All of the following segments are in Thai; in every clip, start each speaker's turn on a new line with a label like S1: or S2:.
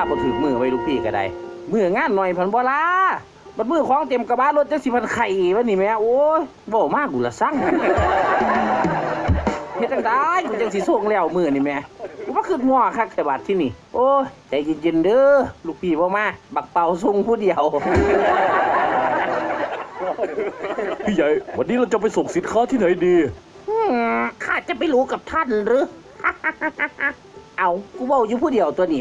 S1: บ่ถึงมือไว้ลูกพี่ก็ได้มืองานหน่อยพันบ่ลาบัดมือของเต็มกระบะรถจังสิพันไข่วะนี่แม่โอ้ยบ่มากกูละสั่งเฮ็ดจังได๋กูจังสิส่งแล้วมื้อนี่แม่กูบ่คิดง้อคักแต่บาดที่นี่โอ้ยใจเย็นๆเด้อลูกพี่บ่มาบักเป่าส่งผู้เดียว
S2: พี่ใหญ่วันนี้เราจะไปส่งสินค้าที่ไหนดี
S1: ข้าจะไปรู้กับท่านหรือ เอากูเว้าอยู่ผู้เดียวตัวนี้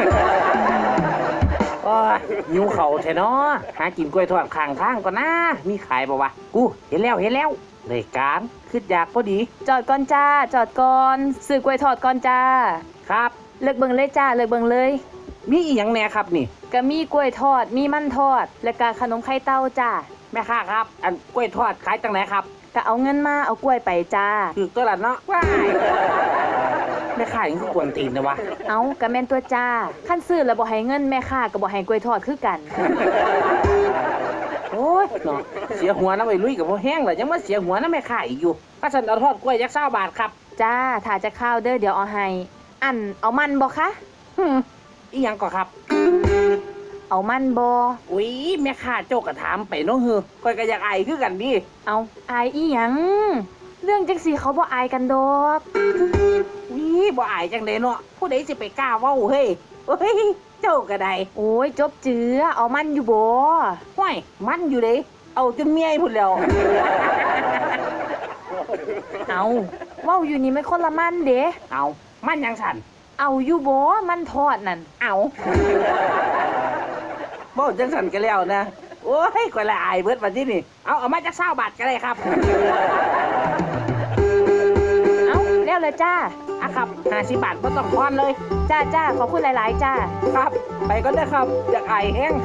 S1: โอ้ยหิวเข่าแท้เนาะหากินกล้วยทอดข้างทางก่อนนะมีขายบ่วะกูเห็นแล้วเลยการคิดอยากพอดี
S3: จอดก่อนจ้าจอดก่อนซื้อกล้วยทอดก่อนจ้า
S1: ครับ
S3: เลิกเบิ่งเลยจ้าเลิกเบิ่งเลย
S1: มีอีหยังแหน่ครับนี่
S3: ก็มีกล้วยทอดมีมันทอดและก็ขนมไข่เต้าจ้า
S1: แม่ค้าครับอันกล้วยทอดขายจังไหนครับ
S3: ก็เอาเงินมาเอากล้วยไปจ้า
S1: คือตัวละเนาะว้ายแม่ค้ายังคือกวนตีนนะวะ
S3: เอาก็แม่นตัวจ้าขั้นซื้อแล้วบ่ให้เงินแม่ค้าก็บ่ให้กล้วยทอดคือกัน
S1: โอ้ยเนาะเสียหัวนะไอ้ลุยกับบ่แห้งเลยยังมาเสียหัวนะแม่ค้าอีกอยู่ก็ฉันเอาทอดกล้วยยักษ์20 บาทครับ
S3: จ้าถ้าจะข้าวเด้อเดี๋ยวเอาให้อันเอามันบ่คะ
S1: อีหยังก่อครับ
S3: เอามันบ่
S1: อุ้ยแม่ค้าโจกก็ถามไปเนาะฮือก้อยก็อยากอายคือกันดิ
S3: เอาอายอีหยังเรื่องจังซี่เขาบ่อายกันดอก
S1: บ่อายจังได๋เนาะผู้ใดสิไปกล้าเว้าเฮ้ยโอ้ยเจ้าก็ได้
S3: โอ้ยจบเจือเอามันอยู่บ่
S1: ห้วยมันอยู่เด้เอาจนเมียพุ่นแล้ว
S3: เอาเว้าอยู่นี่ไม่คนละมันเด้
S1: เอามันยังสั่น
S3: เอาอยู่บ่มันทอดนั่น
S1: เอาบ่จังสั่นก็แล้วนะโอ้ยก้อยละอายเบิดบัดนี้นี่เอามาจัก20 บาทก็ได้ครับ
S3: เอาแล้วเลยจ้า
S1: อะครับ50 บาทบ่ต้องทอนเลย
S3: จ้าขอบคุณหลายๆจ้า
S1: ครับไปก็ได้ครับอยากอายแห้ง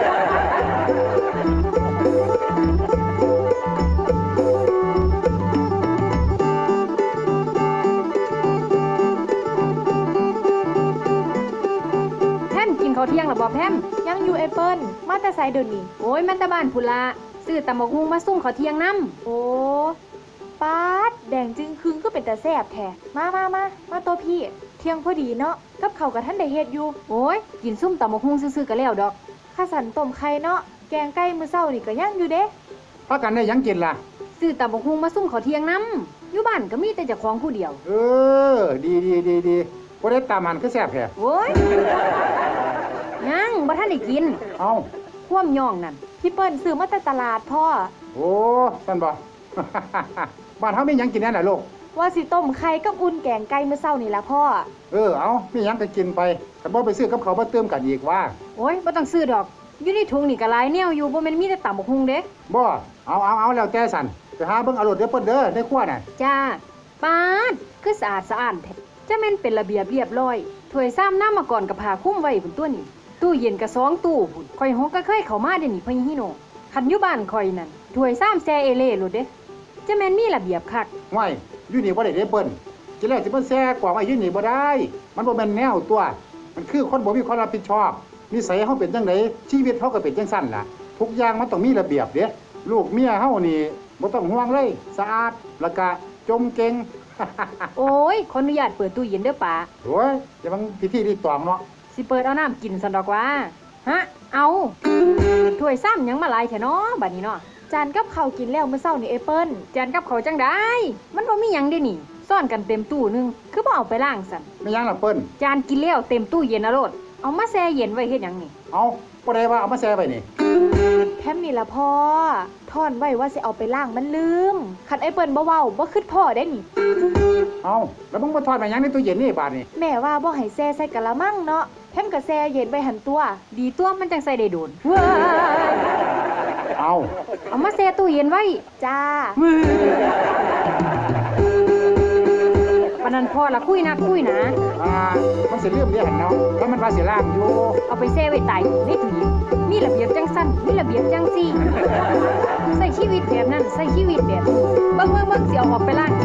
S3: เขาเที่ยงหรอบ่แพมยังอยู่แอปเปิ้ลมาแต่ไสเดี๋ยวนี้โอ้ยมันตะบ้านพุนละซื้อตำบักหุ่งมาส่งเขาเที่ยงนำโอ้ป๊าดแดงจึงครึงก็เป็นตาแซ่บแท้มาโตพี่เที่ยงพอดีเนาะกับข้าวกับท่านได้เฮ็ดอยู่โอ้ยกินซุ่มตำบักหุ่งซื่อๆก็แล้วดอกข้าสันต้มไข่เนาะแกงไก่มื้อเช้านี่ก็ยังอยู่เด้
S4: พากันได้ยังกินล่ะ
S3: ซื้อตำบักหุ่งมาส่งเขาเที่ยงนำอยู่บ้านก็มีแต่เจ้าของผู้เดียว
S4: ดีบ่ได้ตามมันคือแซ่บแท้
S3: โอ้ยยังบ่ทันได้กิน
S4: เอ้า
S3: ความย่องนั่นพี่เปิ้ลซื้อมาแต่ตลาดพ่อ
S4: โอ้ซั่นบ่ บ้านเฮามีหยังกินแน่น่ะลูก
S3: ว่าสิต้มไข่กับอุ่นแกงไก่มื้อเช้านี่ล่ะพ่อ
S4: เอามีหยังก็กินไปแต่บ่ไปซื้อกับเขาวมาเติมกันอีกว่า
S3: โอ้ยบ่ต้องซื้อดอกอยู่ในถุงนี่ก็หลายแนวอยู่บ่แม่นมีแต่ตำบักหุ่งเด้
S4: บ่เอาแล้วแต่สั่นไปหาเบิ่งเอารถเด้อเปิ้นเด้อในครัวน่ะ
S3: จ้าป๊าดคือสะอาดสะอ้านแท้จะแม่นเป็นระเบียบเรียบร้อยถ้วยซ้ำน้ำมาก่อนกับผ้าคลุมไว้พุ่นตัวนี้ตู้เย็นก็2ตู้พุ่นข่อยฮกก็เคยเข้ามาเด้นี่พ่อฮิโนคันอยู่บ้านข่อยนั่นถ้วยซ้ำแซ่เอเล่โลดเด้จะแม่นมีระเบียบคัก
S4: ห้วยอยู่นี่บ่ได้เด้เปิ้นจิแล้วสิเปิ้นแซ่กว่าไว้อยู่นี่บ่ได้มันบ่แม่นแนวตัวมันคือคนบ่มีความรับผิดชอบนิสัยเฮาเป็นจังไดชีวิตเฮาก็เป็นจังซั่นล่ะทุกอย่างมันต้องมีระเบียบเด้ลูกเมียเฮานี่บ่ต้องห่วงเลยสะอาดแล้วก็จมเก่ง
S3: โอ้ยขออนุญาตเปิดตู้เย็นเด้อป๋า
S4: โอ้ยอย่าบังพิธีรีตองเนาะ
S3: สิเปิดเอาน้ำกินซั่นดอกว่าฮะเอาถ้วยซ้ำหยังมาหลายแท้เนาะบัดนี้เนาะจานกับข้าวกินแล้วมื้อเช้านี่แอปเปิ้ลจานกับข้าวจังได๋มันบ่มีหยังเด้นี่ซ่อนกันเต็มตู้นึงคือบ่เอาไปล้างซั่น
S4: ไม่หยังล่ะเปิ้ล
S3: จานกินแล้วเต็มตู้เย็นนะโลดเอามาแช่เย็นไว้เฮ็ดหยังนี่
S4: เอาบ่ได้ว่าเอามาแช่ไว้นี่
S3: แพมนี่ล่ะพ่อทอนไว้ว่าสิเอาไปล้างมันลืมคันไอ้เปิ้ลบ่เว้าบ่คิดพ่อได้นี่
S4: เอาแล้วมึงมาทอดมาหยังในตู้เย็นนี่บาดนี่
S3: แม่ว่าบ่ให้แช่ใส่กะละมังเนาะแพมก็แช่เย็นไว้หั่นตัวดีตัวมันจังใส่ได้โดนว้ายเอามาแช่ตู้เย็นไว้จ้าปานนั้นพ่อละคุยนะ
S4: มันสิลืมเด้หั่นเนาะแล้วมันว่าสิล้างอยู่
S3: เอาไปแช่ไว้ใต้ในตู้เย็นมีระเบียบจังซั่นมีระเบียบจังซี่ใส่ชีวิตแบบนั้นใส่ชีวิตแบบนี้เบิ่งสิเอาออกไปล้าง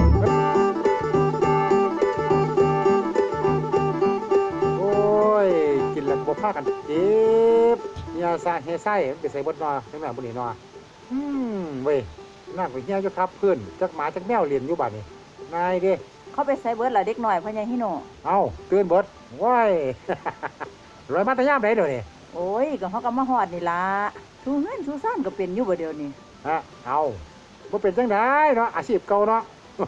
S4: โอ้ยกินแล้วบ่พากันเจ็บยาซาเฮไส้ไปใส่บดนอจังนั้นบ่นี่นอเว้ยน้าก็เหี่ยวอยู่ครับเพิ่นจักหมาจักแมวเรียนอยู่บัดนี้นายเด้
S3: เขาไปใส่เบิดล่ะเด็กน้อยพ่อใหญ่ฮิโน
S4: เอ้าตื่นเบิดว้ายร้อยมาแตะยามไหนเดี๋ยวนี้
S5: โอ้ยก็เฮาก็มาฮอดนี่ล่ะทูเฮือนทูซ่านก็เป็นอยู่บ่เดี๋ยวนี้
S4: ฮะเอาบ่เป็นจังไดเนาะอาชีพเก่าเนาะ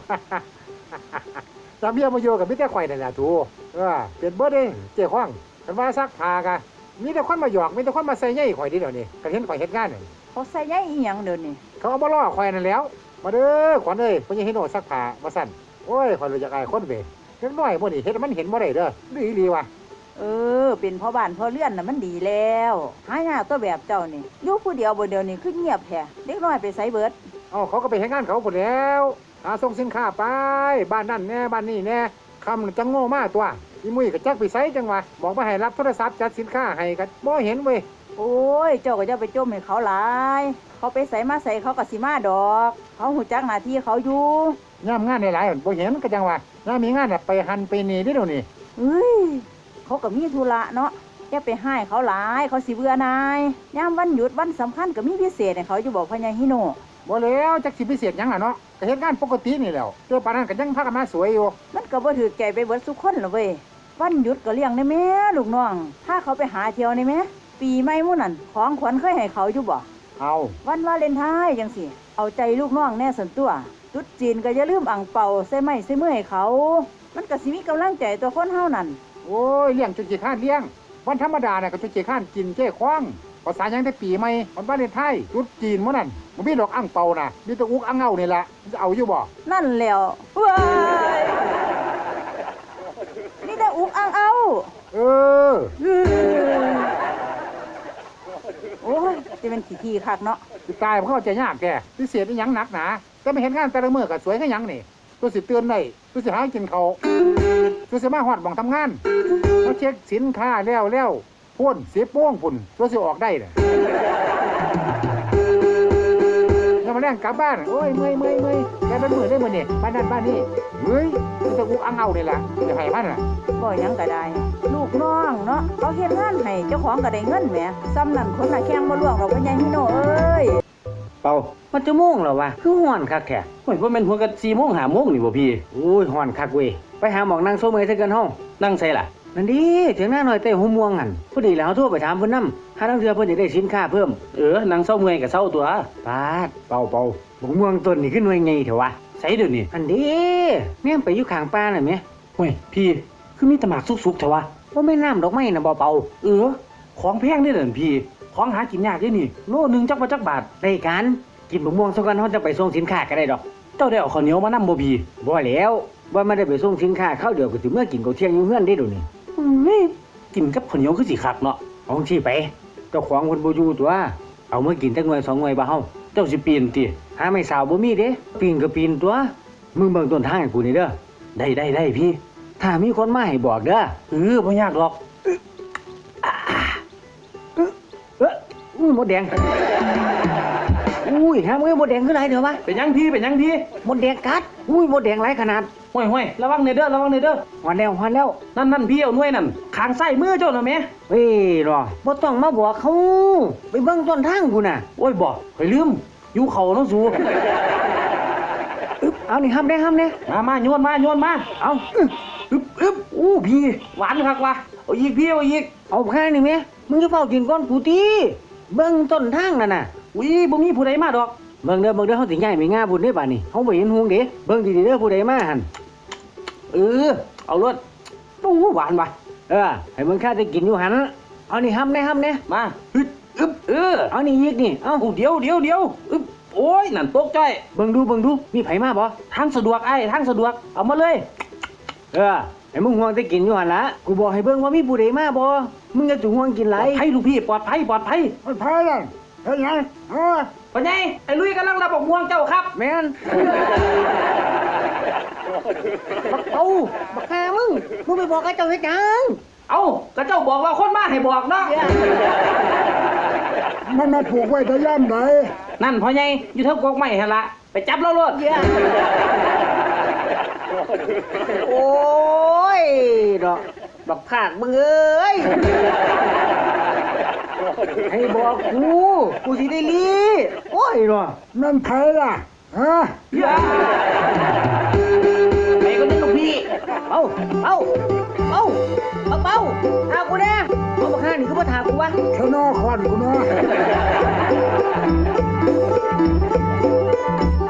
S4: จำเมียมาอยู่กับมิแต่ข่อยนั่นแหละทูเป็นเบิดเด้เจ้าของกันว่าซักผ้ากะมีแต่คนมาหยอกมีแต่คนมาใส่ใยข่อยดิเดี๋ยวนี้กันเห็นข่อยเฮ็ดงานนี่
S5: เขาใส่ใยอีหยังเดี๋ยวนี้
S4: เขาเอามาล่อข่อยนั่นแหล้วมาเด้อขวัญเอ้ยเพิ่นยังเห็นโอซักผ้ามาสั่นโอ้ยข่อยรู้จักอายคนเว้ยเล็กน้อยมื้อนี้เฮ็ดให้มันเห็นบ่ได้เด้อดีอีหลีว่ะ
S5: เป็นพ่อบ้านพ่อเรือนน่ะมันดีแล้วหายากตัวแบบเจ้านี่อยู่ผู้เดียวบ่เดี๋ยวนี้คือเงียบแท้เด็กน้อยไปไสเบิด
S4: เอาเขาก็ไปเฮ็ดงานเขาพุ่นแล้วหาส่งสินค้าไปบ้านนั่นแน่บ้านนี่แน่คำจังโง่มากตัวอีมุ้ยก็จักไปไสจังวะบอกมาให้รับโทรศัพท์จัดสินค้าให้ก็บ่เห็นเว้ย
S5: โอ้ยเจ้าก็จะไปจมให้เขาหลายเขาไปไสมาไสเขาก็สิมาดอก เขาหูจักหน้าที่เขาอยู่
S4: ย่ามงานหลายๆบ่เห็นก็จังวะย่ามมีงานน่ะไปหันไปนี่เด้อเดี๋ยวนี้
S5: เฮ้ยเขาก็มีธุระเนาะอย่าไปให้เขาหลายเขาสิเบื่อนายยามวันหยุดวันสำคัญก็มีพิเศษให้เขาอยู่บอกพญาฮิโน
S4: บ่แล้วจักสิพิเศษหยังล่ะเนาะก็เฮ็ดงานปกตินี่แหล้วเจ้าปานนั้นก็ยังพากันมาสวยอยู่
S5: มันก็บ่ถือใจไปเบิดทุกคนหรอกเว้ยวันหยุดก็เลี้ยงได้แม่ลูกน้องถ้าเขาไปหาเที่ยวได้แม่ปีใหม่หมู่นั่นของขวัญเคยให้เขาอยู่บ่
S4: เอา
S5: วันวาเลนไทน์จังสิเอาใจลูกน้องแน่ส่วนตัวตุ๊ดจีนก็อย่าลืมอ่างเป่าใส่ไม้ใส่มือให้เขา มันก็สิมีกำลังใจตัวคนเฮานั่น
S4: โอ้ยเลี้ยงจนขี้ข้านเลี้ยงวันธรรมดาน่ะก็จนขี้ข้านกินเจ้คว้างภาษาหยังได้ปีใหม่วันวาเลนไทน์ตรุษจีนหมื้อนั้นบ่มีดอกอั่งเปาน่ะมีแต่อุกอั่งเงานี่ล่ะจะเอาอยู่บ่
S5: นั่นแหล้วว้ายนี่แต่อุกอ่างเอา
S4: เออ
S5: โอ้ยจะเป็นขี้คักเนาะ
S4: สิตายมันเข้าใจยากแกพิเศษอีหยังหนักหนาแต่ไม่เห็นงานแต่ละมื้อก็สวยคือหยังนี่ตัวสิเตือนได้ตัวสิหากินเขาวตัวสิมาฮอดหม่องทำงานเขาเช็คสินค้าแล้วพ่น10 โมงพุ่นตัวสิออกได้น่ะแล้วมาแรงกลับบ้านโอ้ยเมื่อยแกเป็นมื้อได้มื้อนี่บ้านนั้นบ้านนี้เฮ้ยมันจะอุกอังเอานี่ล่ะจะให้มันน่ะ
S5: บ่หยังก็ได้ ลูกน้องเนาะเขาเฮ็ดงานให้เจ้าของก็ได้เงินแหมซ้ำนั่นคนน่ะแข่งบ่ล่วงหรอกพญาฮิโนเอ้ย
S1: เป่ามันจะโมงแล้ววะคือฮ้อนคักแท้โอ้ยบ่แม่นหัวกัน4 โมง5 โมงนี่บ่พี่โอ้ยฮ้อนคักเว้ยไปหาหมองนั่งโซเมยซะกันเฮานั่งใส่ล่ะนั่นดิเถียงหน้าหน่อยเต้หัวม่วงหั่นพอดีแล้วเฮาโทรไปถามเพิ่นนำหาทางเทื่อเพิ่นจะได้สินค้าเพิ่มนั่งเซาเมื่อยก็เซาตัวปาดเป่าบักม่วงต้นนี่คือหน่วยใหญ่เถอะวะใส่เดี๋ยวนี้อันเด้แม่นไปอยู่ข้างป่าน่ะแม่โอ้ยพี่คือมีแตะหมากสุกๆเถอะวะบ่แม่นน้ำดอกไม้น่ะบ่เป่าของแพงเด้อนั่นพี่ของหากินยากเด้นี่โลนึงจักว่าจักบาทได้กันกินบักม่วงซะก่อนเฮาจะไปส่งสินค้าก็ได้ดอกเจ้าได้เอาข้าวเหนียวมานำบ่พี่บ่แล้วว่าไม่ได้ไปส่งสินค้าข้าวเดียวก็สิเมื่อกินข้าวเที่ยงอยู่เฮือนได้เดี๋ยวนี้กินกับข้าวเหนียวคือสิคักเนาะเอาจังซี่ไปเจ้าของเพิ่นบ่อยู่ตัวเอามากินจักหน่วย2 หน่วยบ่เฮาเจ้าสิปีนติหาไม่สาวบ่มีเด้ปีนก็ปีนตัวมึงเบิ่งต้นทางให้กูนี่เด้อได้พี่ถ้ามีคนมาให้บอกเด้อบ่ยากหรอกมดแดงอุ้ยหามือมดแดงคือไรเดี๋ยววะเป็นยังพี่มดแดงกัดอุ้ยมดแดงไรขนาดห้วยระวังเนเด้อหันแล้วนั่นพี่เอาหน่วยนั่นขางไส้มือเจ้าหน่ะแม่เฮ้ยรอบ่ต้องมาบอกเขาไปเบิ่งต้นทางกูน่ะโอ้ยบอกไปลืมอยู่เขาเนาะสูเอานี่ห้ามได้มาโยนมาเอาอึบอู้พี่หวานคักว่ะเอาอีกพี่เอาอีกเอาแค่นี้แม่มึงจะเฝ้ากินก้อนกูตีเบิ่งต้นทางนั่นน่ะอุ้ยบ่มีผู้ใดมาดอกเบิ่งเด้อเฮาสิย้ายไปงาบุญเด้บัดนี้เฮาบ่เห็นฮูงเด้เบิ่งดีๆเด้อผู้ใดมาหั่นเอารถตู้หวานว่ะให้มึงข้าได้กินอยู่หั่นเอานี่ห้ำแน่มาฮึดอึบเอานี่อีกนี่เอาเดี๋ยวอึบโอ้ยนั่นตกใจเบิ่งดูมีไผมาบ่ทางสะดวกทางสะดวกเอามาเลยให้มึงห่วงได้กินอยู่หั่นล่ะกูบอกให้เบิ่งว่ามีผู้ใดมาบ่มึงจะห่วงกินหลายให้ลูกพี่ปลอดภัย
S4: มันพายแล้วเฮ็ดหยัง
S1: พ่อใหญ่ไอ้ลุยกำลังรับบอกม่วงเจ้าครับแม่นบักเอาบักแค่มึงไปบอกไอ้เจ้าเฮ็ดหยังเอาก็เจ้าบอกว่าคนมาให้บอกเนาะ
S4: มันมาผูกไว้แต่ย่ำใด
S1: นั่นพ่อใหญ่อยู่เท่ากกไม้หั่นล่ะไปจับเราโลดโอ้ยดอกบักภาคมึงเอ้ยให้บอกกูสิได้ลีโอ้ยเนาะ
S4: นั่นไผล่ะ
S1: ไปก็นึกลูกพี่เอากูแน่เอาบักห้านี่ก็บ่ถามกูวะ
S4: เท่านอคอนกูเนาะ